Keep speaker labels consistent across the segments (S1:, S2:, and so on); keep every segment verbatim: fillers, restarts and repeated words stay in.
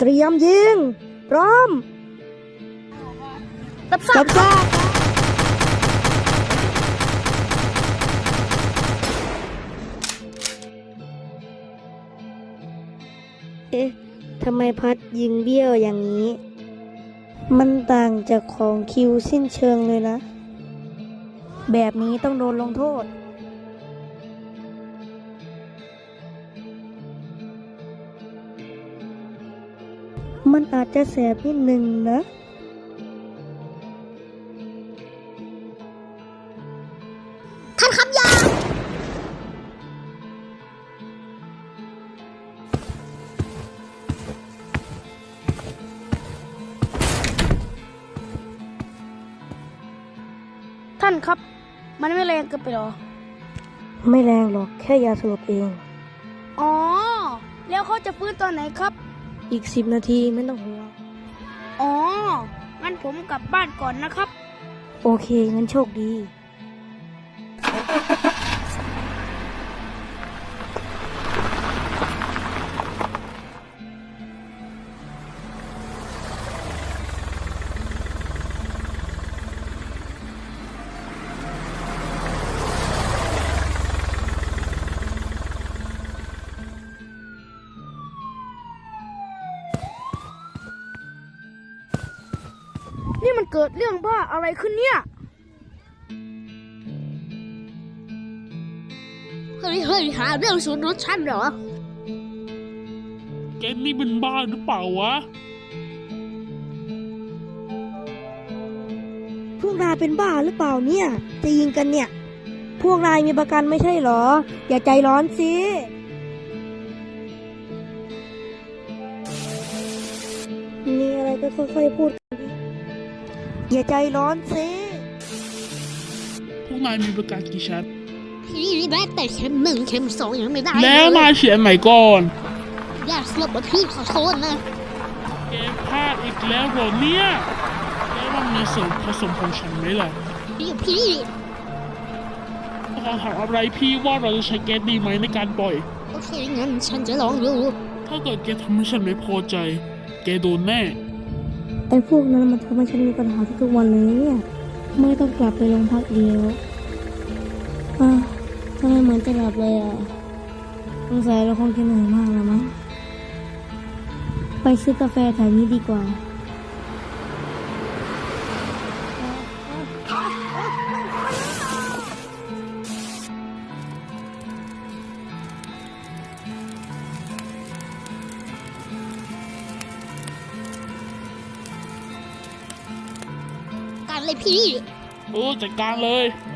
S1: เตรียมยิงพร้อมรับทราบเอ๊ะทำไมพัดยิงเบี้ยวอย่างนี้มันต่างจากของคิวสิ้นเชิงเลยนะแบบนี้ต้องโดนลงโทษมันอาจจะแสบนิดนึงนะ
S2: ท่านครับยา
S3: ท่านครับมันไม่แรงเกินไปหรอ
S1: ไม่แรงหรอกแค่ยาสลบเอง
S3: อ๋อแล้วเขาจะฟื้นตอนไหนครับ
S1: อีกสิบนาทีไม่ต้องห่วง
S3: อ๋องั้นผมกลับบ้านก่อนนะครับ
S1: โอเคงั้นโชคดี
S3: นี่มันเกิดเรื่องบ้าอะไรขึ้นเนี่ย
S2: เฮ้ยเฮ้ยหาเรื่องสูญรถฉันเหรอ
S4: แกนี่เป็นบ้าหรือเปล่าวะ
S1: พวกนายเป็นบ้าหรือเปล่าเนี่ยจะยิงกันเนี่ยพวกนายมีประกันไม่ใช่เหรออย่าใจร้อนสิมีอะไรก็ค่อยๆพูดกันดิอย่าใจร้อนสิ
S4: พวกนายมีประกันกี่ชั้น
S2: พี่ได้แต่เข็มหนึ่งเข็มสองยังไม่ได้
S4: แล้วนายเขียนไหนก่อน
S2: ยาสลบว่าพี่ขอโทษนะ
S4: แกพลาดอีกแล้วเหรอเนี่ยแล้วมันมีส่วนผสมของฉันไหมล่ะ
S2: พี่พี่
S4: ขอถามอะไรพี่ว่าเราจะใช้แก๊สดีไหมในการปล่อย
S2: โอเคงั้นฉันจะลองดู
S4: ถ้าเกิดแกทำให้ฉันไม่พอใจแกโดนแน่
S1: ไอ้พวกนั้นมันทำให้ฉันมีปัญหาทุกวันเลยเนี่ยไม่ต้องกลับไปโรงพักเดียวอ่ะทำไมเหมือนจะหลับเลยอ่ะสงสัยเราคงจะเหนื่อยมากแล้วมั้งไปซื้อกาแฟแถวนี้ดีกว่า
S2: การเลยพี่
S4: โอ้จัดการเลย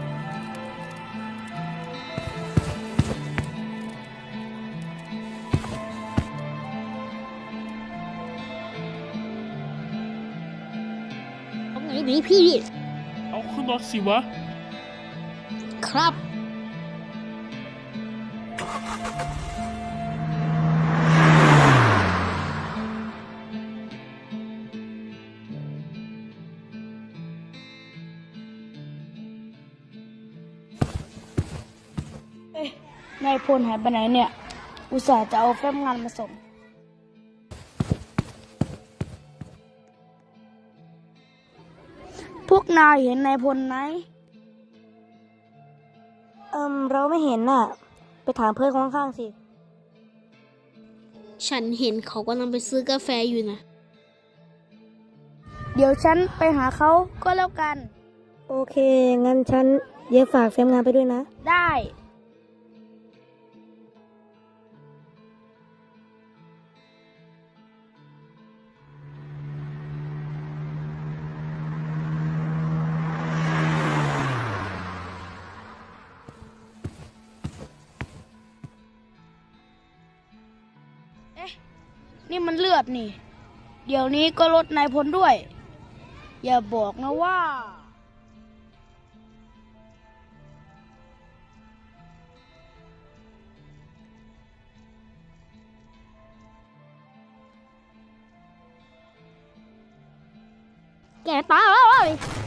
S2: เอาไงดีพี่
S4: เอาขึ้นรถสิวะ
S2: ครับ
S3: เอ๊ะนายพลหายไปไหนเนี่ยอุตส่าห์จะเอาแฟ้มงานมาส่งพวกนายเห็นนายพลไหม
S1: เอิมเราไม่เห็นน่ะไปถามเพื่อนข้างๆสิ
S2: ฉันเห็นเขากำลังไปซื้อกาแฟอยู่นะ
S3: เดี๋ยวฉันไปหาเขาก็แล้วกัน
S1: โอเคงั้นฉันเดี๋ยวฝากแฟ้มงานไปด้วยนะ
S3: ได้นี่มันเลือดนี่เดี๋ยวนี้ก็ลดนายพลด้วยอย่าบอกนะว่า
S2: แกตาย